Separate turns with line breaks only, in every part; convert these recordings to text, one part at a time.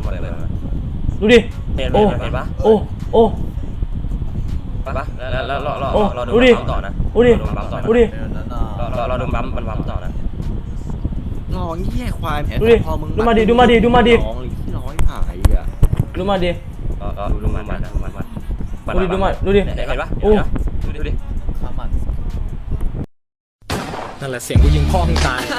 ดูดิโอ้โอ้โอ้
ปะแล้วเราดูปั๊มต่อนะ
ดูดิดูดิ
เราดูปั๊มมันปั๊มต่อนะ
น้องแย่ควายแผลพอมึง
ดูมาดิน้องที่ร้อย
หายอ่ะ
ดูมาดิ
ดูมัน
ดูดิ
เห็นปะโอ้ดูดิ
นั่นแหละเสียงกูยิงพ่อมึงตาย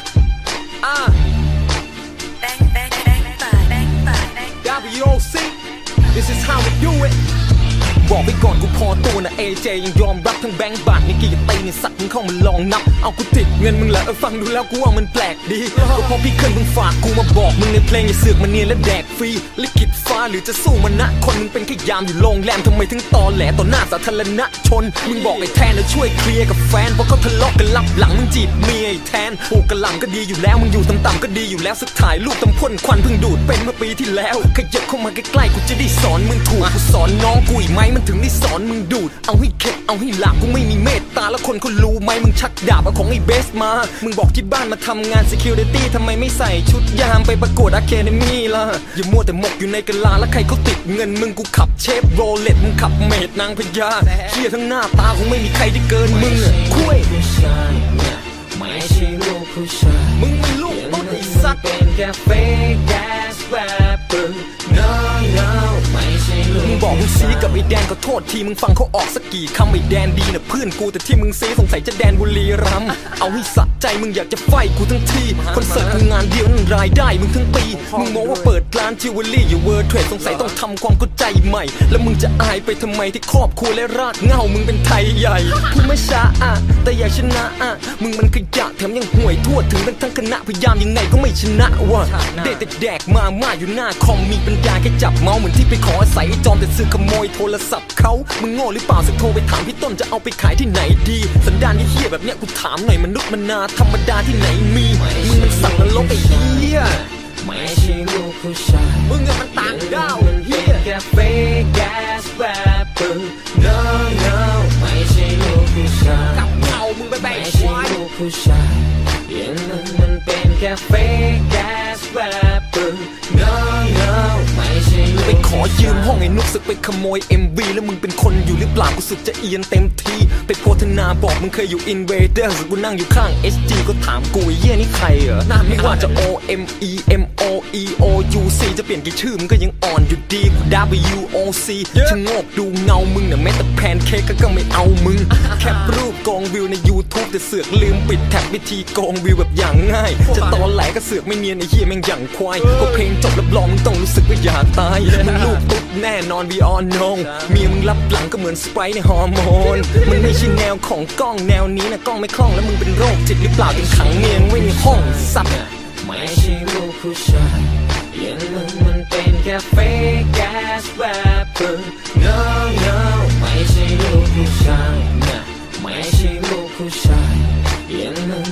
WOC This is how we do it บอกไปก่อนกูพอตัวนะ AJ ยังยอมรับทั้งแบงค์บาทนี่กี่จะตีนี่สัตว์มึงเข้ามาลองนับเอากูติดเงินมึงแหละฟังดูแล้วกูว่ามันแปลกดีก็พอพี่เคยมึงฝากกูมาบอกมึงในเพลงอย่าเสือกมาเนียนและแดกฟรีลิขิตฟ้าหรือจะสู้มันนะคนมึงเป็นแค่ยามอยู่โรงแรมทำไมถึงตอแหลต่อหน้าสาธารณชนมึงบอกไอ้แทนนะช่วยเคลียร์กับแฟนเพราะเขาทะเลาะกันลับหลังมึงจีบเมียไอ้แทนปลูกกระหล่ำก็ดีอยู่แล้วมึงอยู่ต่ำๆก็ดีอยู่แล้วสุดท้ายลูกตำพ่นควันเพิ่งดูดเป็นเมื่อปีที่แล้วขยับเข้ามาใกล้ๆกูจะได้สอนมึงถูกกูสอนน้องกูอีกไหมมันถึงได้สอนมึงดูดเอาให้เข็ดเอาให้หลับกูไม่มีเมตตาแล้วคนเขารู้ไหมมึงชักดาบเอาของไอ้เบสมามึงบอกที่บ้านมาทำงาน security ทำไมไม่ใส่ชุดยามไปประกวด Academy ล่ะอย่ามัวแต่หมกอยู่ในกะลาแล้วใครเขาติดเงินมึงกูขับเชฟโรเลตมึงขับเมดนางพญาเชี่ยทั้งหน้าตาคงไม่มีใครได้เกินมึงคุยไม่ใช่ลูกผู้ชายมึงไม่ลูกต้นไอ้สัตว์เป็นแค่เฟกแกสแรปเปอร์ no no ไม่ใช่ลูกมึงบอกมึงซีกับไอ้แดนก็โทษทีมึงฟังเขาออกสักกี่คำไอ้แดนดีนะเพื่อนกูแต่ที่มึงซีสงสัยจะแดนบุรีรัมย์เอาให้สะใจมึงอยากจะไฟกูทั้งทีคอนเสิร์ตกูงานเดียวนั่นรายได้มึงทั้งปีมึงมองว่าเปิดร้านจิวเวลรี่อยู่เวิร์ดเทรดสงสัยต้องทำความเข้าใจใหม่แล้วมึงจะอายไปทำไมที่ครอบครัวและรากเหง้ามึงเป็นไทยใหญ่พูดไม่ช้าแต่อยากชนะมึงมันขยะแถมยังห่วยทั่วถึงทั้งคณะพยายามยังไงก็ไม่ชนะว่ะเด็ดแดกมาอยู่หน้าคอมมีปัญญาแค่จับเมาส์เหมือนที่ไปขออาศัยจอมแต่ซื้อขโมยโทรศัพท์เขามึงโง่หรือเปล่าสักโทรไปถามพี่ต้นจะเอาไปขายที่ไหนดีสันดานเหี้ยแบบเนี้ยกูถามหน่อยมนุษย์มนาธรรมดาที่ไหนมีมึงมันสัตว์นรกไอ้เหี้ยไม่ใช่ลูกผู้ชายมึงมันต่างดาวเหี้ยแค่เฟกแกสแรปเปอร์ no no ไม่ใช่ลูกผู้ชายกับเขามึงไปแบ่งไม่ใช่ลูกผู้ชายอย่างมันเป็นแค่เฟกแกสแรปเปอร์ no no ไม่ใช่ไปขอยืมห้องไอ้นุกสึกไปขโมย MV แล้วมึงเป็นคนอยู่หรือเปล่ากูสึกจะเอียนเต็มทีไปโพธนาบอกมึงเคยอยู่ Invaders กูนั่งอยู่ข้าง SG ก็ถามกูเยี่ยนี่ใครเหรอไม่ว่าจะ OMEMOEOUC จะเปลี่ยนกี่ชื่อมึงก็ยังอ่อนอยู่ดีกู WOC ชะโงกดูเงามึงน่ะแม้แต่แพนเค้กก็ไม่เอามึงแคปรูปกองวิวใน YouTube แต่เสือกลืมปิดแท็บวิธีกองวิวแบบอย่างง่ายจะตอนแหลก็เสือกไม่เนียนไอ้เหี้ยแม่งอย่างควายก็เพลงจบรับรองมึงต้องรู้สึกว่าอยากตายมึงลูกตุ๊ดแน่นอน we all know เมียมึงรับหลังก็เหมือนสไปร์ในฮอร์โมนมันไม่ใช่แนวของกล้องแนวนี้นะกล้องไม่คล่องแล้วมึงเป็นโรคจิตหรือเปล่าถึงขังเมียไว้ในห้องซับไม่ใช่ลูกผู้ชายอย่างมึงมันเป็นแค่เฟกแกสแรปเปอร์ no no ไม่ใช่ลูกผู้ชายไม่ใช่ลูกผู้ชาย